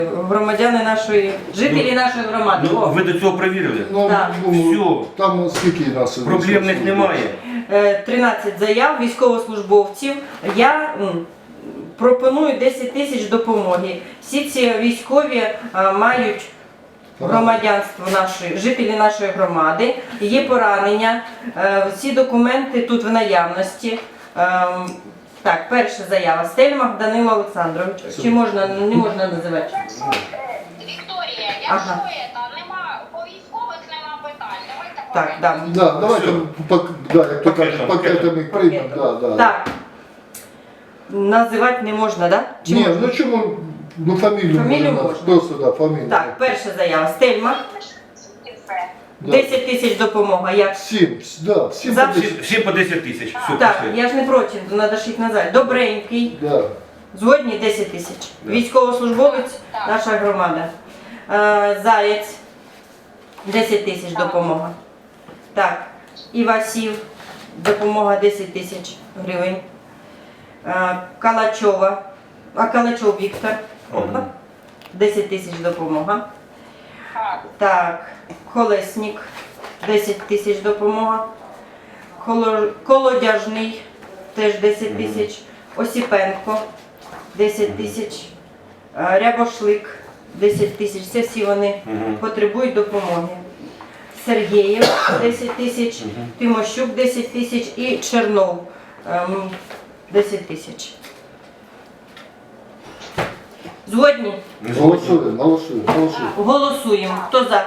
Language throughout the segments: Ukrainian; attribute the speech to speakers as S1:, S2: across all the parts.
S1: Громадяни нашої, жителі нашої громади.
S2: Ну, ви до цього перевірили?
S1: Так.
S2: Все.
S3: Там скільки нас?
S2: Проблемних немає.
S1: 13 заяв військовослужбовців. Я пропоную 10 тисяч допомоги. Всі ці військові мають громадянство нашої, жителі нашої громади, є поранення, всі документи тут в наявності. Так, перша заява. Стельмах Данило Олександрович. Чи можна, не можна називати?
S4: Вікторія, якщо нема, по військових нема питань, давайте
S1: Так, да.
S3: Да, давайте, як то кажуть, пакетами приймемо.
S1: Так. Називати не можна, так? Да?
S3: Ні, ну чому, ну фамілію
S1: можна.
S3: Просто, да, фамілію.
S1: Так, перша заява. Стельмах. 10 тисяч допомога. Як?
S3: 7, да, 7
S1: За-
S2: Всі по 10 тисяч. Все,
S1: Так,
S2: пішли.
S1: я ж не проти, то треба ж їх назвати. Добренький.
S3: Да.
S1: Згодні 10 тисяч.
S2: Да.
S1: Військовослужбовець, наша громада. Заєць, 10 тисяч допомога. Так, Івасів, допомога 10 тисяч гривень. Калачова, Калачов Віктор, опа, 10 тисяч допомога. Так, Колесник, 10 тисяч допомога. Колодяжний, теж 10 тисяч. Осіпенко, 10 тисяч. Рябошлик, 10 тисяч. Це всі вони потребують допомоги. Сергієв, 10 тисяч. Тимощук, 10 тисяч. І Чернов, 10 тисяч. Згодні?
S3: Голосуємо.
S1: Голосуємо. Хто за?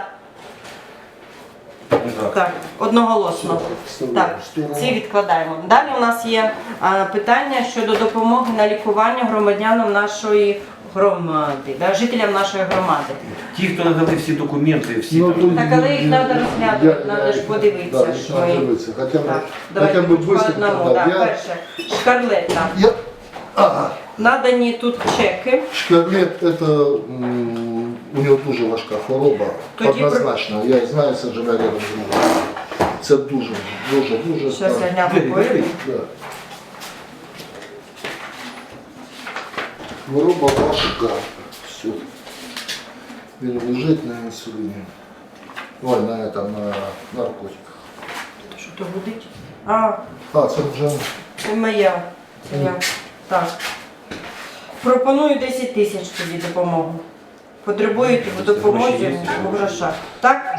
S1: Так, одноголосно. Так, ці відкладаємо. Далі у нас є питання щодо допомоги на лікування громадянам нашої громади, жителям нашої громади.
S2: Ті, хто надали всі документи, всі
S3: Ну,
S2: там.
S1: Так, але їх треба розглядати, треба ж подивитися,
S3: Да,
S1: що
S3: треба
S1: ми...
S3: дивитися. Хоча б,
S1: Так, давайте
S3: хоча б
S1: по
S3: виставити.
S1: одному. Так, перше, Шкарлета. Надані тут чеки.
S3: Шкарлет, это у нього дуже важка хвороба,
S1: Тоді
S3: однозначно. Я знаю, це живе рядом з ним. Це дуже.
S1: Зараз я гляну поїду.
S3: Да. Хвороба важка. Все. Він лежить на інсуліні. Ой, на наркотиках.
S1: Що то гудить?
S3: Це вже...
S1: Це моя. Це я. Так. Пропоную 10 тисяч тобі допомогу. Потребуєте в допомозі в грошах. Так?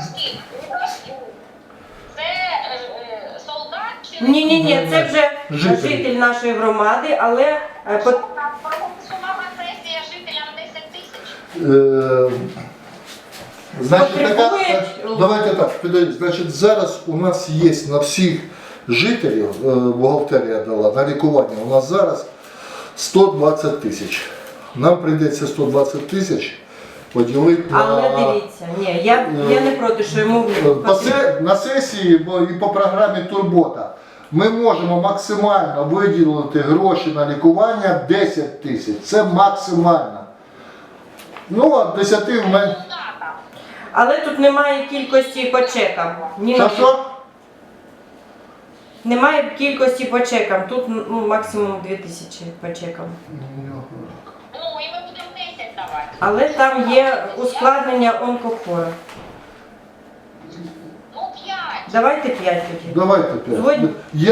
S4: Це солдат чи
S1: Ні, це вже
S3: Житель.
S1: житель нашої громади, але
S4: сума сесія жителям 10 тисяч?
S3: Значить,
S1: Потребує-
S3: давайте так, підійдіть. Значить, зараз у нас є на всіх жителів, бухгалтерія дала, на лікування, у нас зараз 120 тисяч. Нам прийдеться 120 тисяч поділити
S1: але
S3: на...
S1: дивіться, ні, я не проти, що йому
S3: На сесії і по програмі Турбота ми можемо максимально виділити гроші на лікування 10 тисяч. Це максимально. Ну, а 10 в мене...
S1: Але тут немає кількості по чекам.
S3: Що?
S1: Немає кількості по чекам. Тут максимум 2000 по чекам.
S4: Ну, і ми будемо 10 давати.
S1: Але там є ускладнення онкохворих.
S4: Ну, 5.
S1: Давайте 5 тоді.
S3: Давайте 5.
S1: Згодні?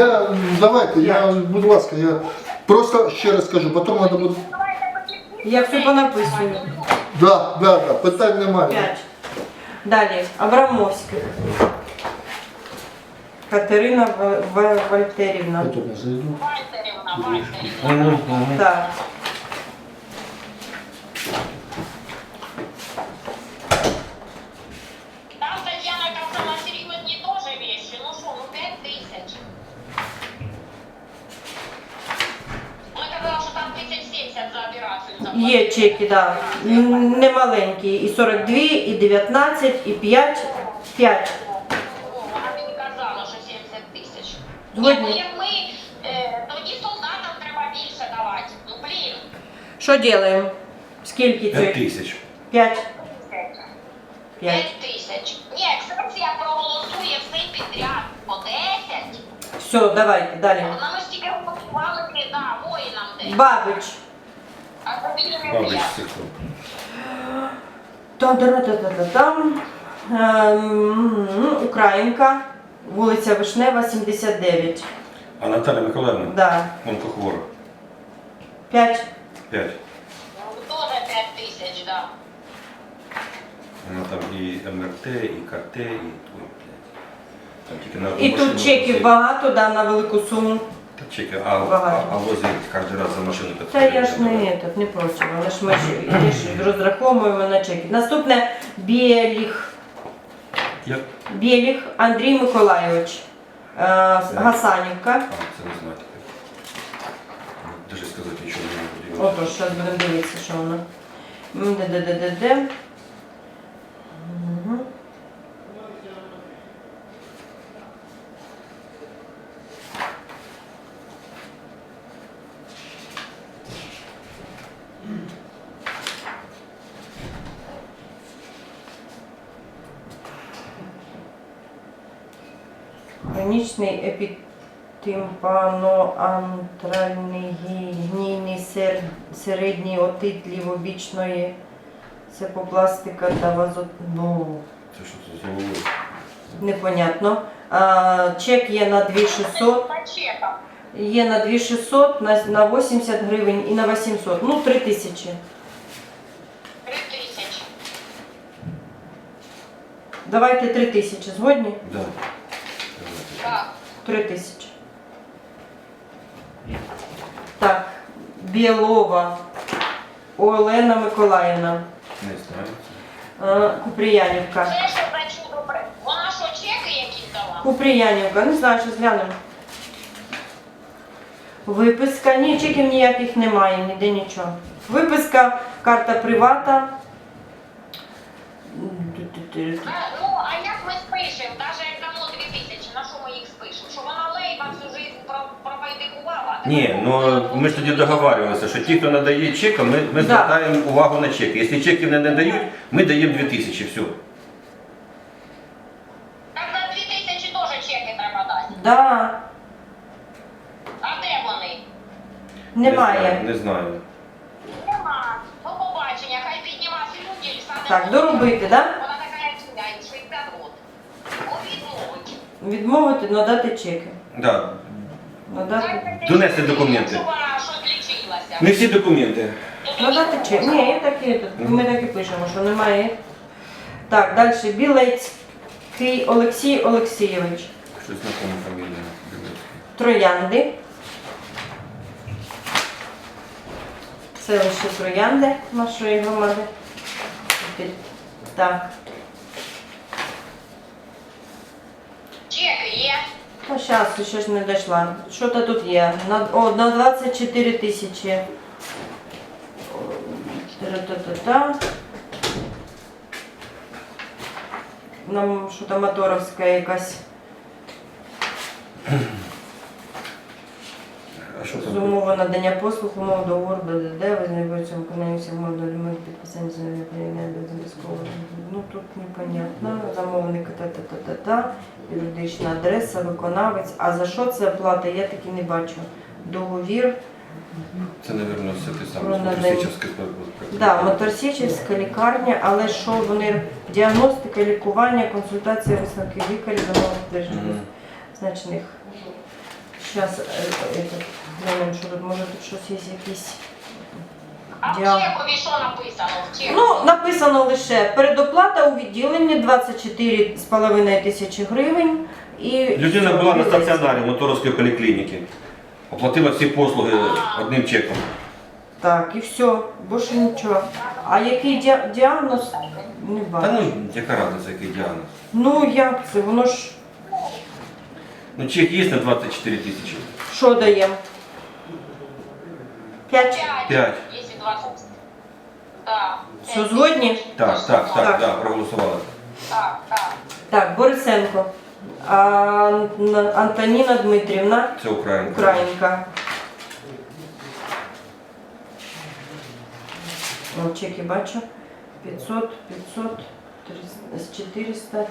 S3: Будь ласка, я просто ще раз скажу, потім треба буде...
S1: Я все понаписую.
S3: Да, питань немає.
S1: 5. Далі. Абрамовських. Катерина Вальтерівна.
S3: Я тут не зайду.
S4: Вальтерівна.
S1: Так.
S4: Там Тетяна казала серйозні теж вещи. Ну що, 5 тисяч. Вона казала, що там 1070 за операцію заплатили.
S1: Є чеки, так. Немаленькі. І 42, і 19, і 5. 5.
S4: Вона мені казала, що 70 тисяч.
S1: Згодні.
S4: Як ми, тоді солдатам треба більше давати. Ну, блін.
S1: Що робимо? Скільки
S2: 5
S1: це?
S2: тисяч.
S1: 5.
S4: 5
S1: 5.
S4: тисяч. Ні, сесія проголосує все підряд по 10.
S1: Все, давайте, далі.
S4: Нам ж тільки голосували, воїнам десь.
S1: Бабич.
S4: А тобі не
S2: Павлович
S4: приємно.
S2: Сихов.
S1: Там Українка, вулиця Вишнева, 79.
S2: А Наталя Миколаївна?
S1: Да.
S2: Онкохвора.
S1: 5.
S2: 5.
S4: Ну, теж 5 тисяч, да.
S2: Вона там і МРТ, і КТ, і той, блядь. Там тільки на
S1: І
S2: машину
S1: тут чеків
S2: возить.
S1: багато, да, на велику суму.
S2: Та чеки, а
S1: Багато.
S2: возить кожен раз за машину.
S1: Та я ж не проти, але ж ми ж розраховуємо на чеки. Наступне Біліх.
S2: Як?
S1: Біліх Андрій Миколайович. Гасанівка.
S2: А, це не знаю таке. Даже сказати нічого не можу.
S1: Отож, зараз будемо дивитися, що воно. Де. Мгм. Хронічний епітимпаноантральний гнійний середній отит лівобічної сепопластика та вазотну.
S2: Це що це за головою?
S1: Непонятно. Чек є на 2600,
S4: По чекам.
S1: є на 2600, на 80 гривень і на 800. Ну, 3000.
S4: 3 тисячі.
S1: Давайте 3000. Згодні?
S2: Да.
S4: Так.
S1: 3000. Так. Білова Олена Миколаївна.
S2: Не знаю.
S1: Купріянівка.
S4: Це що за чудо? Вона що, чеки якісь дала?
S1: Купріянівка. Не знаю, що зглянемо. Виписка. Ні, чеків ніяких немає, ніде нічого. Виписка, карта привата.
S4: Ну, а як ми спишемо? Навіть як дамо 2 тисячі, на що ми їх спишемо? Що вона лейба всю життя пропайдикувала?
S2: Ні, ну ми ж тоді договарювалися, що ті, хто надає чек, ми
S1: Да.
S2: звертаємо увагу на чеки. Якщо чеків не надають, ми даємо 2000, все.
S4: Так на 2 тисячі теж чеки треба дати.
S1: Да,
S4: А де вони?
S1: немає.
S2: Не знаю.
S4: Нема. До побачення, хай підніма слюділь, саме.
S1: Так, доробити, да?
S4: Вона така як сюди, 60 років. Відмовить.
S1: Відмовити, надати чеки.
S2: Да.
S1: Надати,
S2: Донести документи.
S4: Щоб вона що відлічилася.
S2: Не всі документи.
S1: надати чек. Ні, я так і, ми так і пишемо, що немає. Так, далі. Білецький Олексій Олексійович.
S2: Щось знакома фамілія.
S1: Троянди. Селище Троянди нашої громади. Так.
S4: Чеки є.
S1: Та зараз, ще ж не дійшла. Що то тут є? На 24 тисячі. Та-та-та-та. Нам що там моторовська якась.
S2: А що
S1: З
S2: там?
S1: умови надання послуг, умов договору, БДД, визнаються виконання всіх умов до лімит підписання заявлення обов'язково. Ну тут непонятно. Замовник та-та-та-та-та, юридична адреса, виконавець. А за що це оплата? Я таки не бачу. Договір.
S2: Це, мабуть, все те
S1: Про
S2: саме.
S1: надання.
S2: Моторсічівське.
S1: Да, Моторсічівська лікарня, але що вони діагностика, лікування, консультація, висновки лікарів, замовних тижнів значних. Зараз глянемо, що тут може тут щось є якісь.
S4: А в
S1: Дякую.
S4: чекові що написано? В чеку?
S1: Ну, написано лише передоплата у відділенні 24,5 тисячі гривень. І
S2: Людина була на стаціонарі Моторовської поліклініки. Оплатила всі послуги одним чеком.
S1: Так, і все, більше нічого. А який діагноз? Не
S2: Та
S1: бачу.
S2: ну, яка разниця, який діагноз?
S1: Ну як це? Воно ж
S2: Ну, чек є на 24 тисячі.
S1: що даємо? 5?
S2: 5.
S4: Якщо 20. Так.
S1: Що, згодні?
S2: Так,
S1: Так.
S2: да, проголосували.
S4: Так, так.
S1: Так, Борисенко. Антоніна Дмитрівна,
S2: Це Українка.
S1: Українка. О, чеки бачу. 500, 500, 400,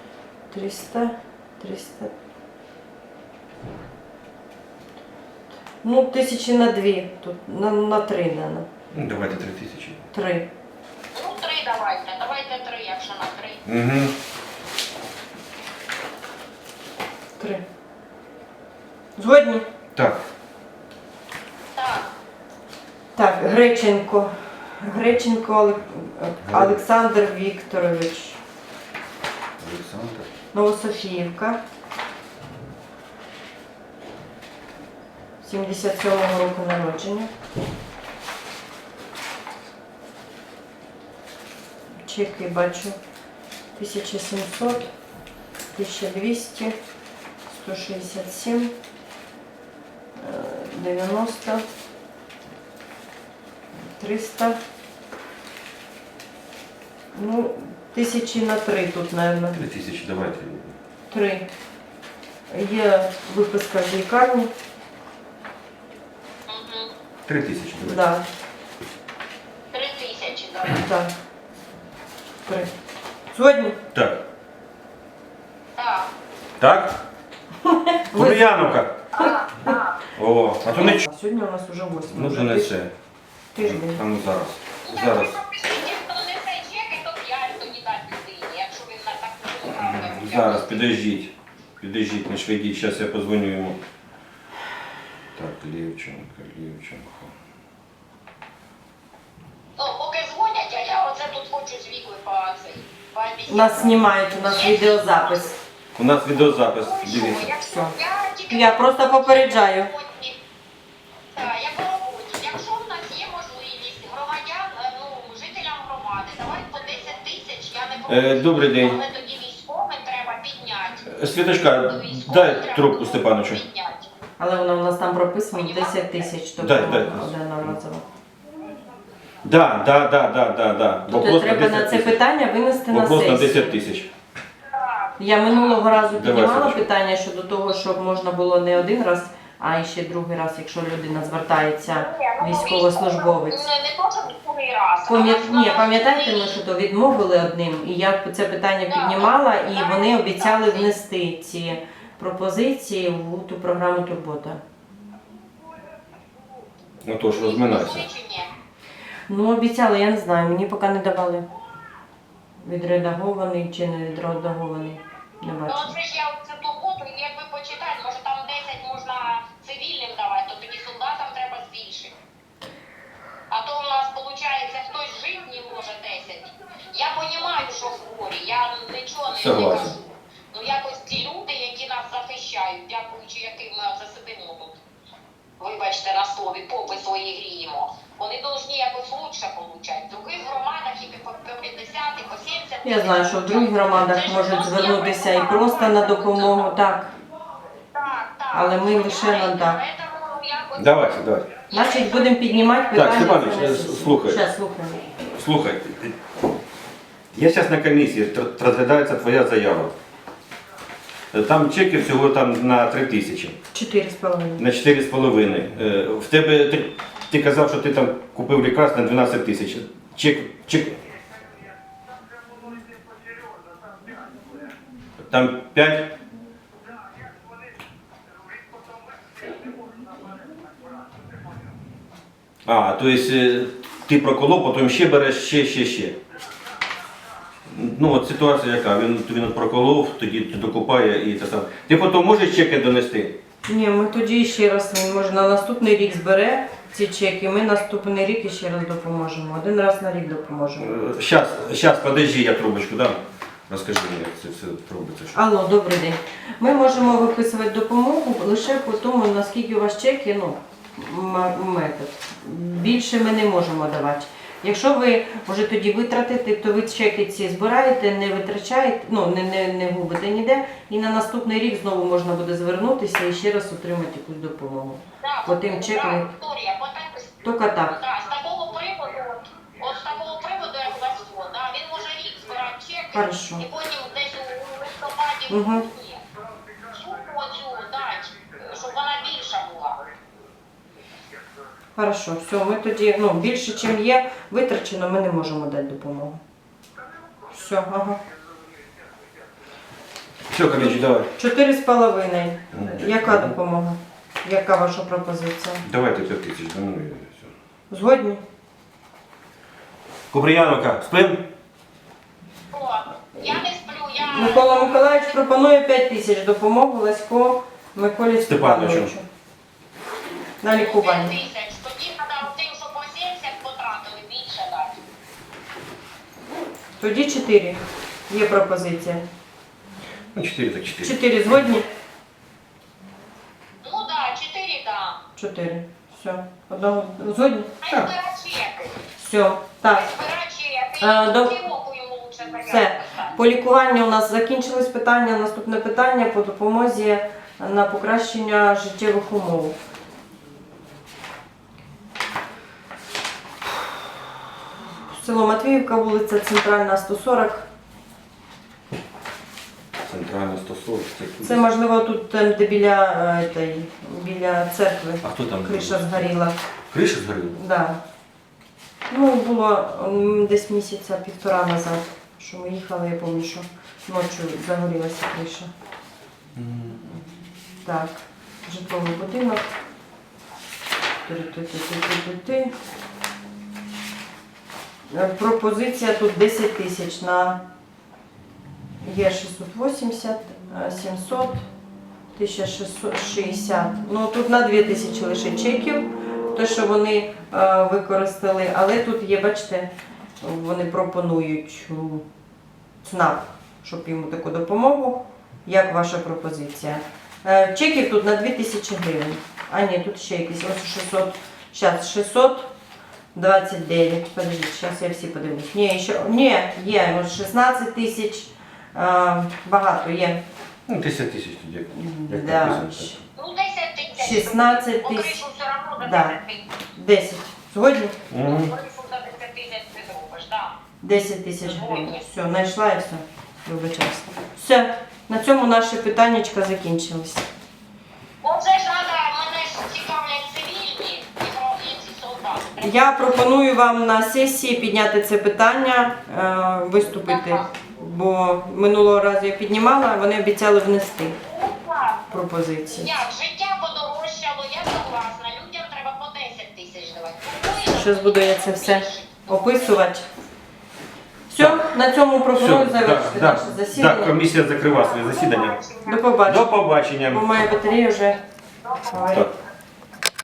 S1: 300, 300. Ну, 1000 на 2, тут на 3, наверное.
S2: Ну, давайте 3000.
S1: 3.
S4: Ну, 3 давайте. Давайте 3, якщо на 3.
S2: Угу.
S1: 3. Згодні?
S2: Так.
S4: Так.
S1: Так, Греченко. Греченко Олександр Вікторович.
S2: Олександр.
S1: Новософіївка. 77-го року народження. Чеки бачу. 1700, 1200, 167, 90, 300. Ну, 1000 на 3 тут, наверное.
S2: 3000, давайте.
S1: 3. Є виписка з лікарні.
S4: Угу.
S2: 3000, давайте.
S1: Да,
S4: 3000 давайте.
S1: так. 3. Сьогодні?
S2: Так.
S4: Так.
S2: Так? Кур'яновка.
S4: Так.
S2: О, а то не ч...
S1: А сьогодні у нас вже 8.
S2: Ну, вже не це.
S1: Тиждень.
S2: А ну зараз.
S4: Ну, так,
S2: Зараз.
S4: ви напишіть, хто несе чеки, то 5 тоді дасть людині, якщо він на так не
S2: Зараз, підождіть. Підождіть, не швидіть. Зараз я позвоню йому. Так, Лєвченко.
S4: Ну, поки дзвонять, а я оце тут хочу з Вікою по цей.
S1: Нас знімають, у нас відеозапис.
S2: У нас відеозапис,
S4: Ну, що,
S2: дивіться.
S4: якщо я тільки
S1: Я просто попереджаю.
S4: Так, я по роботі. Якщо в нас є можливість громадян, ну, жителям громади, давайте по 10 тисяч, я не проти.
S2: Добрий день.
S4: Але тоді військовим треба підняти.
S2: Світочка,
S4: До військових
S2: дай
S4: треба
S2: трубку Степановичу.
S4: підняти.
S1: Але воно у нас там прописано 10 тисяч, тобто
S2: Дай.
S1: одноразово.
S2: Да.
S1: Тобто треба на це питання винести на
S2: Вопрос на
S1: сесію.
S2: 10 тисяч.
S1: Я минулого разу
S2: Давай,
S1: піднімала
S2: Сашечка.
S1: питання щодо того, щоб можна було не один раз, а ще другий раз, якщо людина звертається, військовослужбовець.
S4: Не то, що другий раз.
S1: Ні, пам'ятаєте, ми що то відмовили одним, і я це питання піднімала, і вони обіцяли внести ці пропозиції в ту програму Турбота.
S2: Ну то ж розминайся.
S1: Ну, обіцяли, я не знаю, мені поки не давали. Відредагований чи не відредагований, не
S4: Ну,
S1: бачу.
S4: оце ж я цю турботу, якби почитати, може там 10 можна цивільним давати, то тоді солдатам треба збільшити. А то у нас, виходить, хтось жив не може 10. Я розумію, що хворі, я нічого не
S2: Согласен.
S4: кажу. Ну якось ті люди, які нас захищають, дякуючи яким ми засидимо тут, вибачте на слові, попи свої гріємо, вони повинні якось лучше получати. В других громадах і по 50, і по 70.
S1: Я знаю, що в других громадах можуть звернутися і просто на допомогу, так.
S4: Так.
S1: Але ми лише на так.
S2: Давайте.
S1: Значить, будемо піднімати питання.
S2: Степанович,
S1: це на сесію.
S2: слухай.
S1: Щас, слухаємо.
S2: Слухай, я зараз на комісії, розглядається твоя заява. Там чеки всього там на 3000,
S1: 4,5.
S2: на 4,5. В тебе, ти казав, що ти там купив лікарств на 12 тисяч. Чек. Там 5? А, то есть ти проколов, потім ще береш, ще. Ну от ситуація яка, він проколов, тоді докупає і те саме. Ти потім можеш чеки донести?
S1: Ні, ми тоді ще раз, він може на наступний рік збере ці чеки, ми наступний рік іще раз допоможемо. Один раз на рік допоможемо.
S2: Щас, подожди, я трубочку дам. Розкажи мені, як це все робиться. що.
S1: Алло, добрий день. Ми можемо виписувати допомогу лише по тому, наскільки у вас чеки, ну, метод. Більше ми не можемо давати. Якщо ви вже тоді витратите, то ви чеки ці збираєте, не витрачаєте, ну, не губите ніде, і на наступний рік знову можна буде звернутися і ще раз отримати якусь допомогу. По тим чекам. Тільки так.
S4: Так, з такого приводу, як у вас фонд, да, він може рік збирати чеки,
S1: Хорошо.
S4: і потім десь у листопаді в
S1: Мгм.
S4: грудні суму оцю дати, щоб вона більша була.
S1: Хорошо, все, ми тоді, ну, більше, чим є витрачено, ми не можемо дати допомогу. Все, ага.
S2: Все, колечі, давай.
S1: 4,5. Яка допомога? Яка ваша пропозиція?
S2: Давайте 5 тисяч дамо і все.
S1: Згодні?
S2: Куприяновка, спим?
S4: О, я не сплю, я...
S1: Микола Миколаївич пропонує 5 тисяч допомогу Лесько Миколі
S2: Степановичу.
S1: Степановичу. На лікування.
S4: 5 тисяч. Тоді треба тим, що по 70 потратили, більше дати.
S1: Тоді 4. Є пропозиція.
S2: Ну, 4 так 4.
S1: 4 згодні?
S4: Ну так, 4 да.
S1: 4. Все. Одного згодні?
S4: Хай
S2: Так.
S4: збира чеки.
S1: Все. Так.
S4: Хай збира чеки.
S1: до-
S4: І півроку йому лучше заяву
S1: Все.
S4: писати.
S1: По лікуванню у нас закінчились питання. Наступне питання по допомозі на покращення життєвих умов. Село Матвіївка, вулиця Центральна, 140.
S2: Центральна 140.
S1: Це можливо тут, де біля церкви.
S2: А хто там?
S1: Криша згоріла.
S2: Криша згоріла?
S1: Да. Ну, було десь місяця півтора назад, що ми їхали, я пам'ятаю, що ночі загорілася криша. Так, житловий будинок. Ти-ти-ти-ти-ти-ти. Пропозиція тут 10 тисяч на є 680, 700, 1660. Ну тут на 2000 лише чеків, те, що вони використали, але тут є, бачите, вони пропонують ЦНАП, щоб йому таку допомогу. Як ваша пропозиція? Чеків тут на 2000 гривень. А ні, тут ще якісь, ось 600, зараз 629, подождіть, зараз я всі подивлюсь. Ні, є, ось 16 тисяч, багато є.
S2: Ну, 10 тисяч тоді. Як
S1: Да.
S2: написано.
S4: Ну, 10 тисяч.
S1: 16
S4: Бо
S1: тисяч.
S4: кришу все одно за
S1: Да.
S4: 10 тисяч.
S1: 10. Згодні?
S2: Мгм.
S4: Кришу за 10 тисяч ти зробиш, так.
S1: 10 тисяч гривень. Все, знайшла і все. Вибачаюся. Все, на цьому наше питаннячка закінчилось.
S4: Оце ж треба, мене ж цікавлять цивільні і ці солдати.
S1: Я пропоную вам на сесії підняти це питання, виступити, бо минулого разу я піднімала, вони обіцяли внести пропозиції.
S4: Як життя подорожчало, я согласна. Людям треба по 10 тисяч давати.
S1: Зараз буду я це все описувати. Все, на цьому пропоную
S2: Все,
S1: завершити
S2: да,
S1: наше
S2: да,
S1: засідання.
S2: комісія закриває своє засідання.
S1: До побачення.
S2: До побачення.
S1: Бо моя батарея вже говорить.
S2: Так.